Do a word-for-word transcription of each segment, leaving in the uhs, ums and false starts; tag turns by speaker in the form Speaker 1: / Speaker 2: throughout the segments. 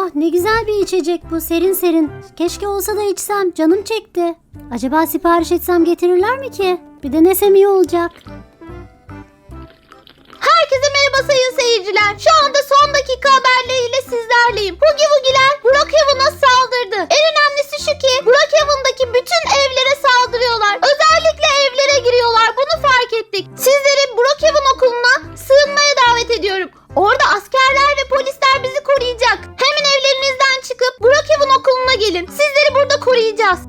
Speaker 1: Oh, ne güzel bir içecek bu, serin serin. Keşke olsa da içsem, canım çekti. Acaba sipariş etsem getirirler mi ki? Bir denesem iyi olacak.
Speaker 2: Herkese merhaba sayın seyirciler. Şu anda son dakika haberleriyle sizlerleyim. Hugi Wugi'ler Brookhaven'a saldırdı. En önemlisi şu ki Brookhaven'daki bütün evlere saldırıyorlar. Özellikle evlere giriyorlar. Bunu fark ettik. Sizleri Brookhaven okuluna sığınmaya davet ediyorum. Orada askerler ve polisler bizi koruyacak. Hemen evlerinizden çıkıp Brookhaven okuluna gelin. Sizleri burada koruyacağız.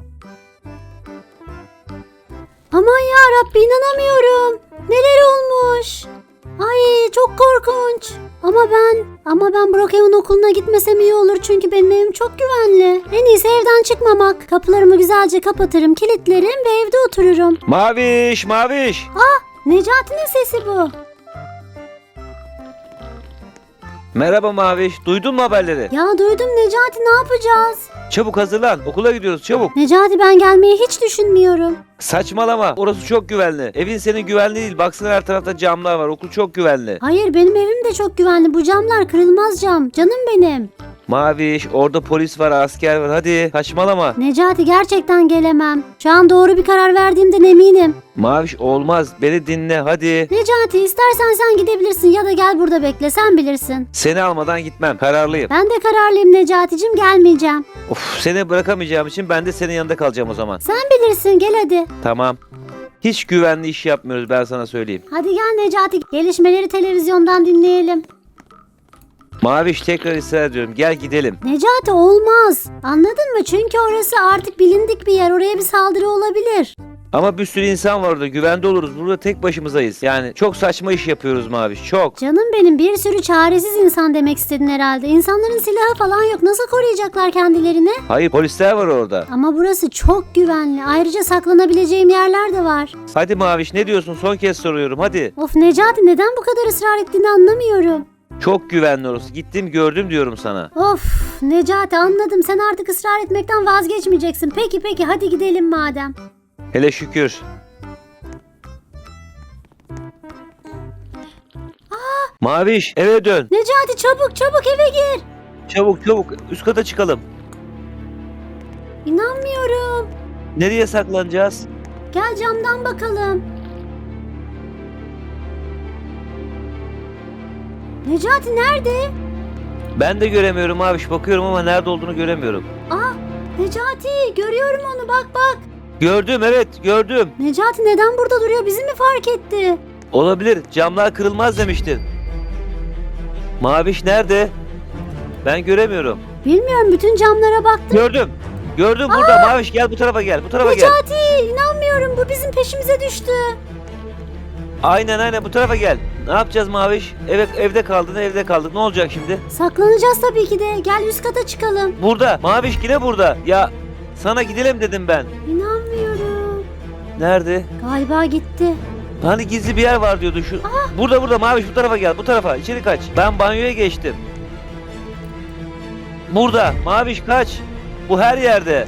Speaker 1: Aman ya Rabbi, inanamıyorum. Neler olmuş? Ay, çok korkunç. Ama ben, ama ben Brookhaven okuluna gitmesem iyi olur çünkü benim evim çok güvenli. En iyisi evden çıkmamak. Kapılarımı güzelce kapatırım, kilitlerim ve evde otururum.
Speaker 3: Maviş, Maviş.
Speaker 1: Necati'nin sesi bu.
Speaker 3: Merhaba Maviş. Duydun mu haberleri?
Speaker 1: Ya duydum Necati, ne yapacağız?
Speaker 3: Çabuk hazırlan. Okula gidiyoruz çabuk.
Speaker 1: Necati, ben gelmeyi hiç düşünmüyorum.
Speaker 3: Saçmalama. Orası çok güvenli. Evin senin güvenli değil. Baksana her tarafta camlar var. Okul çok güvenli.
Speaker 1: Hayır, benim evim de çok güvenli. Bu camlar kırılmaz cam. Canım benim.
Speaker 3: Maviş, orada polis var, asker var. Hadi saçmalama.
Speaker 1: Necati, gerçekten gelemem. Şu an doğru bir karar verdiğimden eminim.
Speaker 3: Maviş olmaz. Beni dinle hadi.
Speaker 1: Necati, istersen sen gidebilirsin ya da gel burada bekle, sen bilirsin.
Speaker 3: Seni almadan gitmem. Kararlıyım.
Speaker 1: Ben de kararlıyım Necati'cim, gelmeyeceğim.
Speaker 3: Of, seni bırakamayacağım için ben de senin yanında kalacağım o zaman.
Speaker 1: Sen bilirsin, gel hadi.
Speaker 3: Tamam. Hiç güvenli iş yapmıyoruz, ben sana söyleyeyim.
Speaker 1: Hadi gel Necati, gelişmeleri televizyondan dinleyelim.
Speaker 3: Maviş, tekrar ısrar ediyorum. Gel gidelim.
Speaker 1: Necati, olmaz. Anladın mı? Çünkü orası artık bilindik bir yer. Oraya bir saldırı olabilir.
Speaker 3: Ama bir sürü insan var orada. Güvende oluruz. Burada tek başımızayız. Yani çok saçma iş yapıyoruz Maviş. Çok.
Speaker 1: Canım benim, bir sürü çaresiz insan demek istedin herhalde. İnsanların silahı falan yok. Nasıl koruyacaklar kendilerini?
Speaker 3: Hayır, polisler var orada.
Speaker 1: Ama burası çok güvenli. Ayrıca saklanabileceğim yerler de var.
Speaker 3: Hadi Maviş, ne diyorsun? Son kez soruyorum. Hadi.
Speaker 1: Of Necati, neden bu kadar ısrar ettiğini anlamıyorum.
Speaker 3: Çok güvenli orası. Gittim gördüm diyorum sana.
Speaker 1: Of Necati, anladım. Sen artık ısrar etmekten vazgeçmeyeceksin. Peki peki, hadi gidelim madem.
Speaker 3: Hele şükür. Maviş, eve dön.
Speaker 1: Necati, çabuk çabuk eve gir.
Speaker 3: Çabuk çabuk. Üst kata çıkalım.
Speaker 1: İnanmıyorum.
Speaker 3: Nereye saklanacağız?
Speaker 1: Gel camdan bakalım. Necati nerede?
Speaker 3: Ben de göremiyorum Maviş. Bakıyorum ama nerede olduğunu göremiyorum.
Speaker 1: Aa, Necati, görüyorum onu, bak bak.
Speaker 3: Gördüm, evet gördüm.
Speaker 1: Necati neden burada duruyor? Bizi mi fark etti?
Speaker 3: Olabilir. Camlar kırılmaz demiştin. Maviş nerede? Ben göremiyorum.
Speaker 1: Bilmiyorum, bütün camlara baktım.
Speaker 3: Gördüm. Gördüm burada. Maviş gel bu tarafa gel. Bu tarafa gel.
Speaker 1: Necati, inanmıyorum, bu bizim peşimize düştü.
Speaker 3: Aynen aynen bu tarafa gel. Ne yapacağız Maviş? Evet, evde kaldın evde kaldık. Ne olacak şimdi?
Speaker 1: Saklanacağız tabii ki de. Gel üst kata çıkalım.
Speaker 3: Burada. Maviş yine burada. Ya sana gidelim dedim ben.
Speaker 1: İnanmıyorum.
Speaker 3: Nerede?
Speaker 1: Galiba gitti.
Speaker 3: Hani gizli bir yer var diyordu şu. Burada burada Maviş bu tarafa gel. Bu tarafa. İçeri kaç. Ben banyoya geçtim. Burada. Maviş kaç. Bu her yerde.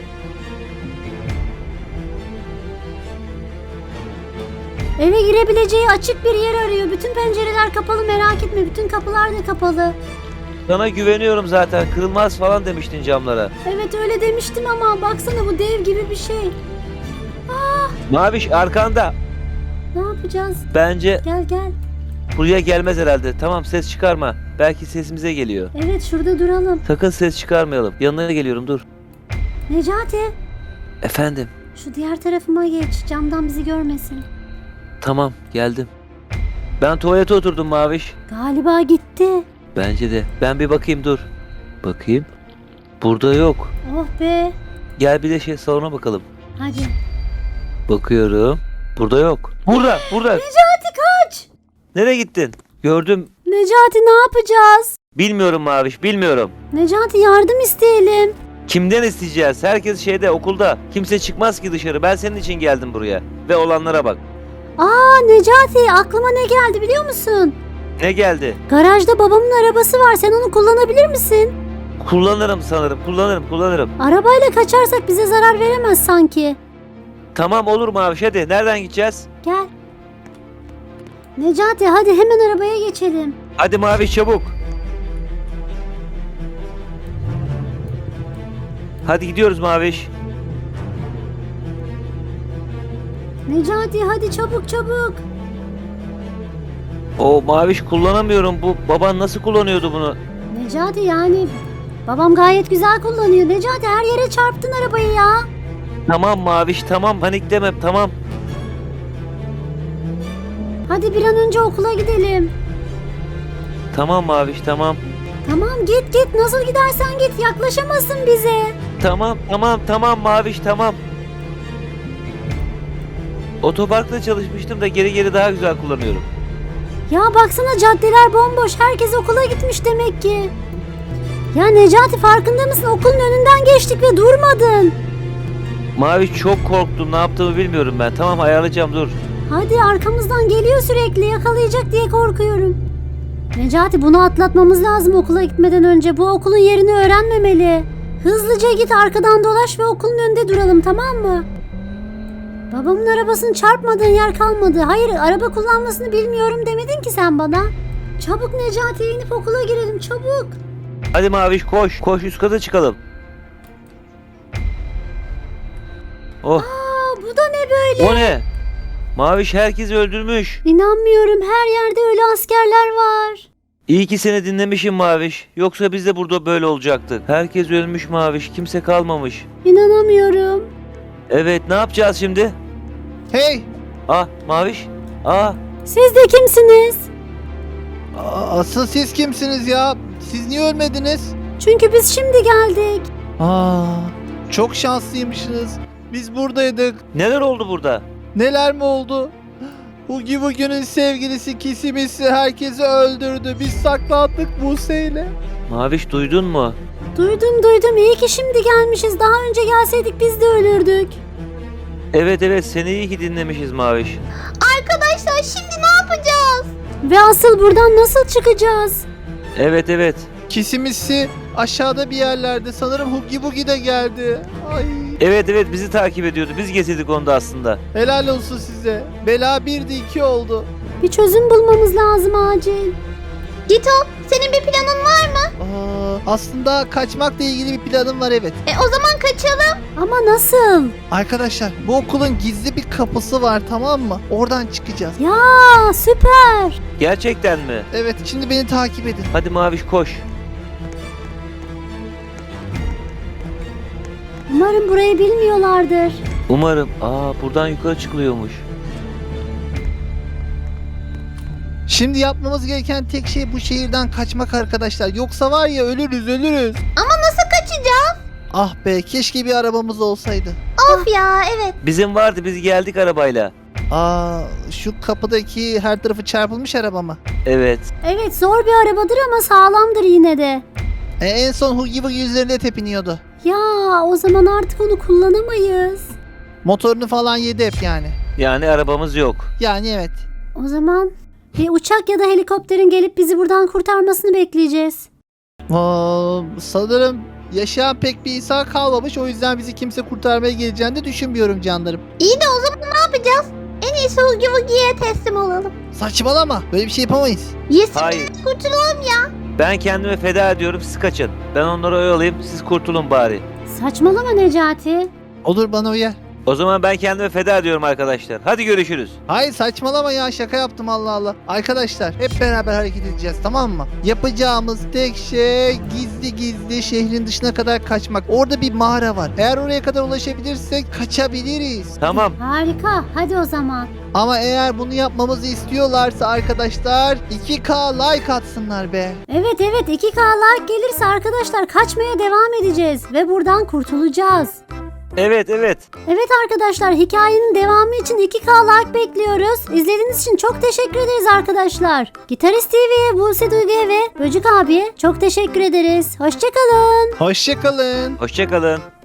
Speaker 1: Eve girebileceği açık bir yer arıyor. Bütün pencereler kapalı, merak etme. Bütün kapılar da kapalı.
Speaker 3: Sana güveniyorum zaten. Kırılmaz falan demiştin camlara.
Speaker 1: Evet, öyle demiştim ama baksana, bu dev gibi bir şey.
Speaker 3: Maviş arkanda.
Speaker 1: Ne yapacağız?
Speaker 3: Bence
Speaker 1: Gel gel.
Speaker 3: buraya gelmez herhalde. Tamam ses çıkarma. Belki sesimize geliyor.
Speaker 1: Evet, şurada duralım.
Speaker 3: Sakın ses çıkarmayalım. Yanına geliyorum dur.
Speaker 1: Necati,
Speaker 3: Efendim.
Speaker 1: şu diğer tarafıma geç. Camdan bizi görmesin.
Speaker 3: Tamam geldim. Ben tuvalete oturdum Maviş.
Speaker 1: Galiba gitti.
Speaker 3: Bence de. Ben bir bakayım dur. Bakayım. Burada yok.
Speaker 1: Oh be.
Speaker 3: Gel bir de şey salona bakalım.
Speaker 1: Hadi.
Speaker 3: Bakıyorum. Burada yok. Burada, burada.
Speaker 1: Necati kaç.
Speaker 3: Nereye gittin? Gördüm.
Speaker 1: Necati, ne yapacağız?
Speaker 3: Bilmiyorum Maviş, bilmiyorum.
Speaker 1: Necati, yardım isteyelim.
Speaker 3: Kimden isteyeceğiz? Herkes şeyde, okulda. Kimse çıkmaz ki dışarı. Ben senin için geldim buraya. Ve olanlara bak.
Speaker 1: Aa Necati, aklıma ne geldi biliyor musun?
Speaker 3: Ne geldi?
Speaker 1: Garajda babamın arabası var. Sen onu kullanabilir misin?
Speaker 3: Kullanırım sanırım. Kullanırım, kullanırım.
Speaker 1: Arabayla kaçarsak bize zarar veremez sanki.
Speaker 3: Tamam olur Maviş hadi. Nereden gideceğiz?
Speaker 1: Gel. Necati, hadi hemen arabaya geçelim.
Speaker 3: Hadi Maviş çabuk. Hadi gidiyoruz Maviş.
Speaker 1: Necati hadi çabuk çabuk.
Speaker 3: O Maviş kullanamıyorum. Bu baban nasıl kullanıyordu bunu?
Speaker 1: Necati yani babam gayet güzel kullanıyor. Necati her yere çarptın arabayı ya.
Speaker 3: Tamam Maviş tamam panikleme tamam.
Speaker 1: Hadi bir an önce okula gidelim.
Speaker 3: Tamam Maviş tamam.
Speaker 1: Tamam git git nasıl gidersen git yaklaşamazsın bize.
Speaker 3: Tamam tamam tamam Maviş tamam. Otoparkta çalışmıştım da geri geri daha güzel kullanıyorum.
Speaker 1: Ya baksana caddeler bomboş herkes okula gitmiş demek ki. Ya Necati farkında mısın okulun önünden geçtik ve durmadın.
Speaker 3: Maviş çok korktum ne yaptığımı bilmiyorum ben. Tamam ayarlayacağım dur.
Speaker 1: Hadi arkamızdan geliyor sürekli yakalayacak diye korkuyorum. Necati bunu atlatmamız lazım okula gitmeden önce. Bu okulun yerini öğrenmemeli. Hızlıca git arkadan dolaş ve okulun önünde duralım tamam mı? Babamın arabasını çarpmadığın yer kalmadı. Hayır araba kullanmasını bilmiyorum demedin ki sen bana. Çabuk Necati'ye inip okula girelim çabuk.
Speaker 3: Hadi Maviş koş. Koş üst kata çıkalım. Oh
Speaker 1: Aa, bu da ne böyle?
Speaker 3: o ne? Maviş herkesi öldürmüş.
Speaker 1: İnanmıyorum her yerde öyle askerler var.
Speaker 3: İyi ki seni dinlemişim Maviş. Yoksa biz de burada böyle olacaktık. Herkes ölmüş Maviş. Kimse kalmamış.
Speaker 1: İnanamıyorum.
Speaker 3: Evet ne yapacağız şimdi?
Speaker 4: Hey!
Speaker 3: Ah Maviş. Ah
Speaker 1: Siz de kimsiniz?
Speaker 4: a- Asıl siz kimsiniz ya? Siz niye ölmediniz?
Speaker 1: Çünkü biz şimdi geldik.
Speaker 4: Aa, çok şanslıymışsınız. Biz buradaydık.
Speaker 3: neler oldu burada?
Speaker 4: Neler mi oldu? Hugi Bugi'nin sevgilisi Kisimisi herkesi öldürdü. Biz saklandık Buse ile.
Speaker 3: Maviş duydun mu?
Speaker 1: Duydum duydum iyi ki şimdi gelmişiz. Daha önce gelseydik biz de ölürdük.
Speaker 3: Evet evet seni iyi ki dinlemişiz Maviş.
Speaker 2: Arkadaşlar şimdi ne yapacağız?
Speaker 1: Ve asıl buradan nasıl çıkacağız?
Speaker 3: Evet evet.
Speaker 4: Kisimisi aşağıda bir yerlerde. Sanırım Hugi Bugi de geldi. Ay.
Speaker 3: Evet evet bizi takip ediyordu. Biz getirdik onu da aslında.
Speaker 4: Helal olsun size. Bela birdi iki oldu.
Speaker 1: Bir çözüm bulmamız lazım acil.
Speaker 2: Gito senin bir planın var mı?
Speaker 4: Aa, aslında kaçmakla ilgili bir planım var evet.
Speaker 2: E o zaman kaçalım.
Speaker 1: Ama nasıl?
Speaker 4: Arkadaşlar bu okulun gizli bir kapısı var tamam mı? Oradan çıkacağız.
Speaker 1: Ya süper.
Speaker 3: Gerçekten mi?
Speaker 4: Evet şimdi beni takip edin.
Speaker 3: Hadi Maviş koş.
Speaker 1: Umarım burayı bilmiyorlardır.
Speaker 3: Umarım. Aa buradan yukarı çıkılıyormuş.
Speaker 4: Şimdi yapmamız gereken tek şey bu şehirden kaçmak arkadaşlar. Yoksa var ya ölürüz ölürüz.
Speaker 2: Ama nasıl kaçacağız?
Speaker 4: Ah be keşke bir arabamız olsaydı.
Speaker 2: Of ya evet.
Speaker 3: Bizim vardı biz geldik arabayla.
Speaker 4: Aa şu kapıdaki her tarafı çarpılmış araba mı?
Speaker 3: Evet.
Speaker 1: Evet zor bir arabadır ama sağlamdır yine de.
Speaker 4: E, en son Hugi Bugi üzerinde tepiniyordu.
Speaker 1: Ya o zaman artık onu kullanamayız.
Speaker 4: Motorunu falan yedi hep yani.
Speaker 3: Yani arabamız yok.
Speaker 4: Yani evet.
Speaker 1: O zaman bir uçak ya da helikopterin gelip bizi buradan kurtarmasını bekleyeceğiz.
Speaker 4: Aa, sanırım yaşayan pek bir insan kalmamış. O yüzden bizi kimse kurtarmaya geleceğini de düşünmüyorum canlarım.
Speaker 2: İyi de o zaman ne yapacağız? En iyisi Hugi Wugi'ye teslim olalım.
Speaker 4: Saçmalama. Böyle bir şey yapamayız.
Speaker 2: Yesin
Speaker 3: Hayır.
Speaker 2: kurtulalım ya.
Speaker 3: Ben kendimi feda ediyorum siz kaçın. Ben onları oyalayayım siz kurtulun bari.
Speaker 1: Saçmalama Necati.
Speaker 4: Olur bana uyar.
Speaker 3: O zaman ben kendimi feda ediyorum arkadaşlar. Hadi görüşürüz.
Speaker 4: Hayır saçmalama ya şaka yaptım Allah Allah. Arkadaşlar hep beraber hareket edeceğiz tamam mı? Yapacağımız tek şey gizli gizli şehrin dışına kadar kaçmak. Orada bir mağara var. Eğer oraya kadar ulaşabilirsek kaçabiliriz.
Speaker 3: Tamam.
Speaker 1: Harika hadi o zaman.
Speaker 4: Ama eğer bunu yapmamızı istiyorlarsa arkadaşlar iki K like atsınlar be.
Speaker 1: Evet evet iki K like gelirse arkadaşlar kaçmaya devam edeceğiz ve buradan kurtulacağız.
Speaker 3: Evet evet.
Speaker 1: Evet arkadaşlar hikayenin devamı için iki K like bekliyoruz. İzlediğiniz için çok teşekkür ederiz arkadaşlar. Gitarist T V'ye, Buse Duygu'ya ve Böcük abiye çok teşekkür ederiz. Hoşçakalın.
Speaker 4: Hoşçakalın.
Speaker 3: Hoşçakalın.